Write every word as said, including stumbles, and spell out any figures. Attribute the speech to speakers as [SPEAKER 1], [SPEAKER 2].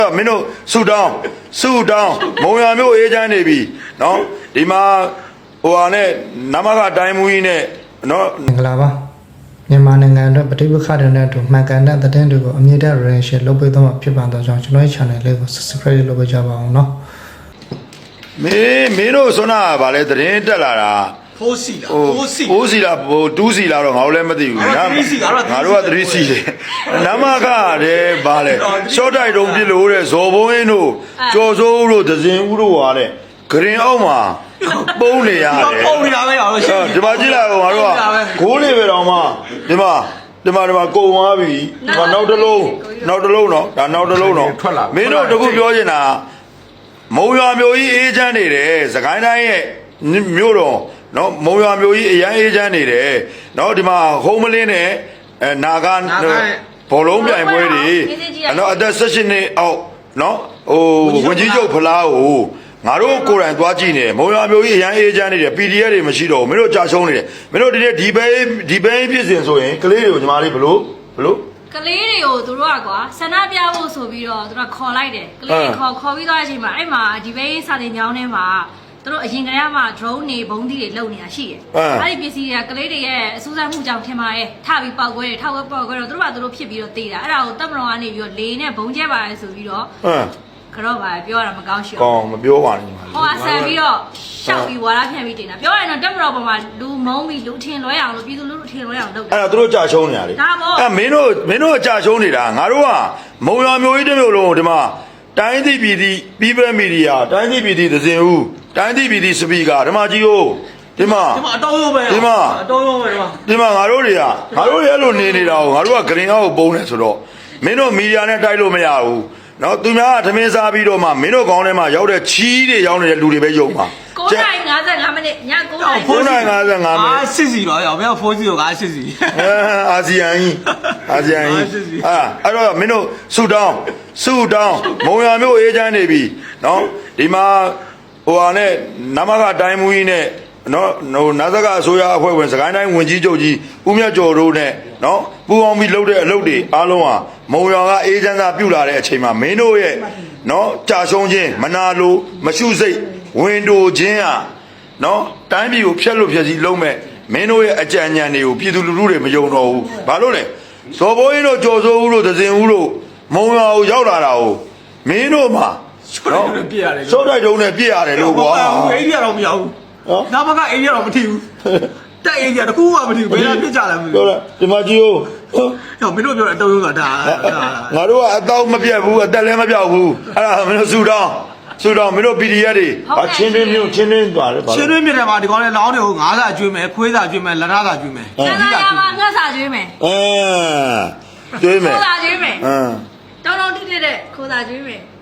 [SPEAKER 1] မင်းတို့ဆူတောင်းဆူတောင်းမုံရမျိုးအေးချမ်းနေပြီနော်ဒီမှာဟိုဟာနဲ့နမကတိုင်းမူကြီးနဲ့နော်
[SPEAKER 2] မင်္ဂလာပါမြန်မာနိုင်ငံအတွက်ပဋိပက္ခတွေနဲ့အတူမှန်ကန်တဲ့သတင်းတွေကိုအမြင့်တဲ့ reaction လုပ်ပေးသွားမှာဖြစ်ပါတော့ကြောင့်ကျွန်တော်ရဲ့ channel လေးကို subscribe လုပ်ပေးကြပါအောင်နော်
[SPEAKER 1] မင်းမင်းတို့ဆွမ်းနာဗာလဲသတင်းတက်လာတာ
[SPEAKER 3] ဖိုးစီလားဖိုးစီ
[SPEAKER 1] ဖိုးစီလားဟိုတူးစီလားတော့ငါတို့လည်းမသိဘူး
[SPEAKER 3] ငါ
[SPEAKER 1] တို့ကသတိစီတယ်နမကတဲ့ဗာလဲရှော့တိုက်တုံးပြလို့တဲ့ဇော်ဘုံင်းတို့ကြော်စိုးတို့ဒဇင်ဦးတို့ဟာတဲ့ဂရင်အောက်မှာပုံးနေရတယ်
[SPEAKER 3] ပုံးနေတာပဲတော့ရှင်း
[SPEAKER 1] ဒီမှာကြည့်လိုက်အောင်ငါတို့ကဂိုးလေးပဲတော့မှဒီမှာဒီမှာဒီမှာကုံသွားပြီဒီမှာနောက်တစ်လုံးနောက်တစ်လုံးတော့ဒါနောက်တစ်လုံးတော့မင်းတို့တခုပြောချင်တာမုံရွာမျိုးကြီးအေးချမ်းနေတယ်စကိုင်းတိုင်းရဲ့မြို့တော်နော်မုံရွာမျိုးကြီးအရန်အေးချမ်းနေတယ်နော်ဒီမှာဟုံးမလင်းနဲ့အဲနာဂဘောလုံးပြိုင်ပွဲတွေနော်အသက်၁၈နှစ်အောက်နော်ဟိုဝင်ကြီးချုပ်ဖလားကိုငါတို့ကိုယ်တိုင်သွားကြည့်နေတယ်မုံရွာမျိုးကြီးအရန်အေးချမ်းနေတယ် ပီ ဒီ အက်ဖ် တွေမရှိတော့ဘူးမင်းတို့ကြာရှုံးနေတယ်မင်းတို့ဒီနေ့ဒီဘဲဒီဘဲဖြစ်စဉ်ဆိုရင်ကလေးတွေကိုညီမလေးဘလို့ဘလို့
[SPEAKER 4] ကလေးတွေကိုသူတို့ကကွာဆန္ဒပြဖို့ဆိုပြီးတော့သူတို့ခေါ်လိုက်တယ်ကလေးတွေခေါ်ခေါ်ပြီးသွားတဲ့အချိန်မှာအဲ့မှာဒီဘဲစာတင်ကြောင်းထဲမှာသူတို့အရင်ကတည်းကမှ drone တွေဘုံသီးတွေလုံနေတာရှိတယ်။အဲ့ဒီပစ္စည်းတွေကကလေးတွေရဲ့အစူးစမ်းမှုကြောင့်ထင်ပါရဲ့ထပြီးပေါက်ခွဲတယ်ထောက်ခွဲပေါက်ခွဲတော့သူတို့ကသူတို့ဖြစ်ပြီးတော့တေးတာအဲ့ဒါကိုတပ်မတော်ကနေပြီးတော့လေနဲ့ဘုံကျဲပါတယ်ဆိုပြီးတော့ကတော့ပါပြောရတာမကောင်းရှိဘူး
[SPEAKER 1] ။ကောင်းမပြောပါနဲ့ညီမလေး
[SPEAKER 4] ။ဟောဆန်ပြီးတော့ရှောက်ပြီးဝါရဖြန့်ပြီးတင်တာပြောရရင်တော့တပ်မတော်ပေါ်မှာလူမုံပြီးလူထင်လွဲအောင်လို့ပြည်သူလူထုထင်လွဲအောင်လုပ်တာ
[SPEAKER 1] ။အဲ့ဒါသူတို့ကြာရှုံးနေတာလေ။အဲ့မင်းတို့မင်းတို့ကြာရှုံးနေတာငါတို့ကမုံရွာမျိုးကြီးတစ်မျိုးလုံးဒီမှာတိုင်းသည့်ပြည်သည့်ပြည်ပမီဒီယာတိုင်းသည့်ပြည်သည့်သဇင်ဦးတိုင်းသည့်ပြည်သည့်စပီကာဓမ္မကြီးကိုဒီမှာ
[SPEAKER 3] ဒီမှာအတော်ရုံးပဲ
[SPEAKER 1] ဒီမှာ
[SPEAKER 3] အတော်ရုံးပဲဒီမှာ
[SPEAKER 1] ဒီမှာငါတို့တွေကငါတို့ရဲ့လိုနေနေတာကိုငါတို့ကဂရင်အောက်ကိုပုံနေဆိုတော့မင်းတို့မီဒီယာနဲ့တိုက်လို့မရဘူးနော်သူများကသမင်းစားပြီးတော့မှမင်းတို့ကောင်းထဲမှာရောက်တဲ့ချီးတွေရောက်နေတဲ့လူတွေပဲယုံပါ
[SPEAKER 4] ကိုးနိုင်၅၅မိနစ်ညကိုးနိုင်
[SPEAKER 1] ကိုးနိုင်၅၅မိနစ်
[SPEAKER 3] အာစစ်စီပါရောဘယ်ဖိုးစီကိုကစစ်စီ
[SPEAKER 1] အာဆီယံကြီးအာဆီယံကြီးအာအဲ့တော့မင်းတို့ဆူတောင်းဆူတောင်းမုံရမျိုးအေးချမ်းနေပြီနော်ဒီမှာဟိုဟာနဲ့နမကတိုင်းမူကြီးနဲ့နော်ဟိုနာဇကအစိုးရအဖွဲ့ဝင်စကိုင်းတိုင်းဝင်ကြီးချုပ်ကြီးဦးမြတ်ကျော်တို့နဲ့နော်ပူအောင်ပြီးလှုပ်တဲ့အလုပ်တွေအားလုံးဟာမုံရွာကအေးချမ်းသာပြုလာတဲ့အချိန်မှာမင်းတို့ရဲ့နော်ကြာရှုံးခြင်းမနာလိုမရှုစိတ်ဝင်တိုခြင်းဟာနော်တိုင်းပြည်ကိုဖျက်လို့ဖျက်စီးလုံးမဲ့မင်းတို့ရဲ့အကြံဉာဏ်တွေကိုပြည်သူလူထုတွေမယုံတော့ဘူးဘာလို့လဲဇော်ဘိုးကြီးတို့ကြော်စိုးဦးတို့ဒဇင်ဦးတို့မုံရွာကိုရောက်လာတာကိုမင်းတို့မှာ
[SPEAKER 3] နော်ပြည့်ရတယ်
[SPEAKER 1] စောတိုက်တုံးနဲ့ပြည့်ရတယ်လို့ကွာ
[SPEAKER 3] အိန္ဒိယတော့မရောက်ဘူးနော်နာမကအိန္ဒိယတော့မထီဘူးတက်အိန္ဒိယတကူမှမထီဘူးဘယ်လာပြစ်ကြလဲမသိဘူး
[SPEAKER 1] ပြောလားဒီမှာကြည့်ဦး
[SPEAKER 3] ဟောမင်းတို့ပြောတဲ့အတုံးကဒါ
[SPEAKER 1] ငါတို့ကအတော့မပြတ်ဘူးအသက်လည်းမပြောက်ဘူးအဲ့ဒါမင်းတို့ဆူတောင်းဆူတောင်းမင်းတို့ ပီ ဒီ အက်ဖ် တွေအချင်းချင်းမျိုးချင်းချင်းသွားတယ်
[SPEAKER 3] ချင်းချင်းမြစ်တယ်မှာဒီကောင်လေးလောင်းတွေကိုငါးစာကျွေးမယ်ခွေးစာကျွေးမယ်လက်ထားစာကျွေးမယ်
[SPEAKER 4] ဆန္ဒရမှာငှက်စာကျွေးမယ်
[SPEAKER 1] အဲကျွေးမယ်
[SPEAKER 4] ခိုးစာကျွေးမယ်
[SPEAKER 1] အင်း
[SPEAKER 4] တောင်းတောင်းတိတိတဲ့ခိုးစာကျွေးမယ်